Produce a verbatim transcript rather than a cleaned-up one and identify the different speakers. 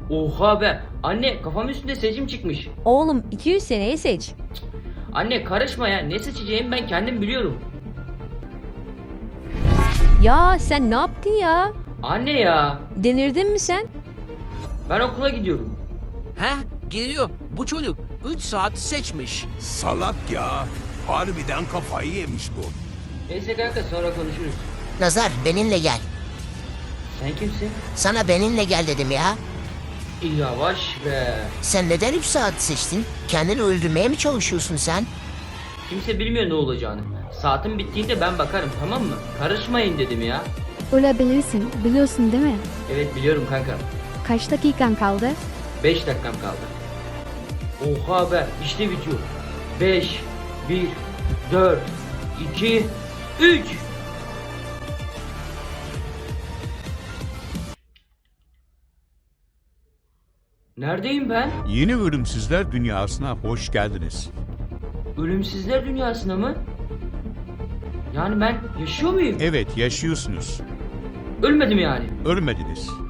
Speaker 1: Oha be. Anne kafamın üstünde seçim çıkmış.
Speaker 2: Oğlum iki yüz seneyi seç.
Speaker 1: Anne karışma ya. Ne seçeceğimi ben kendim biliyorum.
Speaker 2: Ya sen ne yaptın ya?
Speaker 1: Anne ya.
Speaker 2: Delirdin mi sen?
Speaker 1: Ben okula gidiyorum.
Speaker 3: Heh, geliyor. Bu çocuk üç saat seçmiş.
Speaker 4: Salak ya. Harbiden kafayı yemiş bu.
Speaker 1: Neyse kanka sonra konuşuruz.
Speaker 5: Nazar benimle gel.
Speaker 1: Sen kimsin?
Speaker 5: Sana benimle gel dedim ya.
Speaker 1: Yavaş be.
Speaker 5: Sen neden üç saat seçtin? Kendini öldürmeye mi çalışıyorsun sen?
Speaker 1: Kimse bilmiyor ne olacağını. Saatin bittiğinde ben bakarım, tamam mı? Karışmayın dedim ya.
Speaker 6: Olabilirsin, biliyorsun değil mi?
Speaker 1: Evet biliyorum kanka.
Speaker 6: Kaç dakikan kaldı?
Speaker 1: beş dakikam kaldı. Oha be, işte bitiyor. beş, bir, dört, iki, üç. Neredeyim ben?
Speaker 7: Yeni Ölümsüzler Dünyası'na hoş geldiniz.
Speaker 1: Ölümsüzler dünyasına mı? Yani ben yaşıyor muyum?
Speaker 7: Evet, yaşıyorsunuz.
Speaker 1: Ölmedim yani.
Speaker 7: Ölmediniz.